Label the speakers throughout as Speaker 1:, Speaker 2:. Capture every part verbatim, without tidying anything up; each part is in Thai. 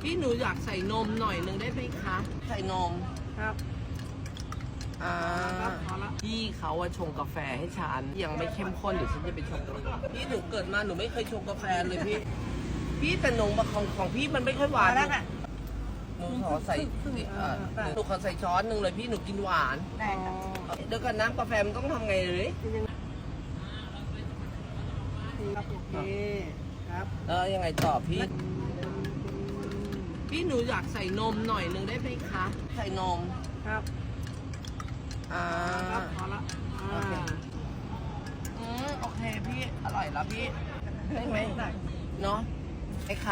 Speaker 1: พี่หนูอยากใส่นมหน่อยหนึ่งได้ไหมคะใส่นม
Speaker 2: ครับ
Speaker 1: อ่า
Speaker 2: ครับพอละ
Speaker 1: พี่เขาอะชงกาแฟให้ฉันยังไม่เข้มข้นเดี๋ยวฉันจะไปชงพี่หนูเกิดมาหนูไม่เคยชงกาแฟเลยพี่ พี่แต่นมของของพี่มันไม่ค่อยหวาน
Speaker 2: แล้วค่ะ
Speaker 1: หนูขอใส่เอ่อหนูขอใส่ช้อนหนึ่งเลยพี่หนูกินหวาน
Speaker 2: ได้ครับ
Speaker 1: เดี๋ยวกันน้ำกาแฟมันต้องทำไงเลย
Speaker 2: ครับโอเคครับ
Speaker 1: เออยังไงต่อพี่ พี่หนูอยากใส่นมหน่อยหนึ่งได้ไหมคะใส่นม
Speaker 2: ครับ
Speaker 1: อ่า
Speaker 2: ครับพอละอ่า
Speaker 1: อืมโอเคพี่อร่อยแล้วพี่ได้ไหม
Speaker 2: ได้
Speaker 1: เนาะไอ้ขา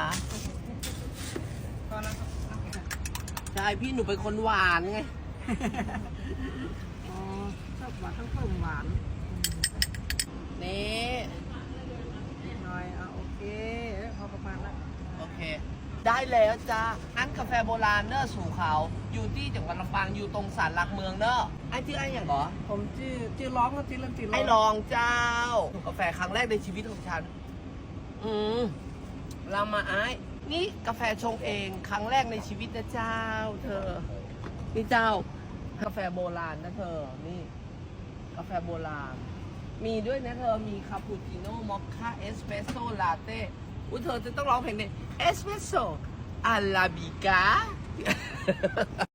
Speaker 2: พอละครับโอเค
Speaker 1: ใช่พี่หนูเป็นคนหวานไง
Speaker 2: อ๋อชอบหวานทั้งเพิ่มหวาน
Speaker 1: นี่
Speaker 2: นิดหน่อยอ่ะโอเคพอประมาณละ
Speaker 1: โอเค ได้แล้วจ้าอันกาแฟโบราณเนอะสู่เขาอยู่ที่จังหวัดลำปางอยู่ตรงศาลหลักเมืองเนอะไอ้ที่ไอ้อย่างเหรอ
Speaker 2: ผมชื่อชื่อร้องก็ชื่อเล่นชื่อร้อง
Speaker 1: ไอ้ลองเจ้ากาแฟครั้งแรกในชีวิตของฉัน อืมเรามาไอ้นี่กาแฟชงเองครั้งแรกในชีวิตนะเจ้า เธอ นี่เจ้า กาแฟโบราณนะเธอ นี่ กาแฟโบราณ มีด้วยนะเธอ มีคาปูชิโน่ มอคค่า เอสเปรสโซ่ ลาเต้ อุ้ยเธอจะต้องร้องเพลงนี้เอสเปรสโซ่ อาราบิก้า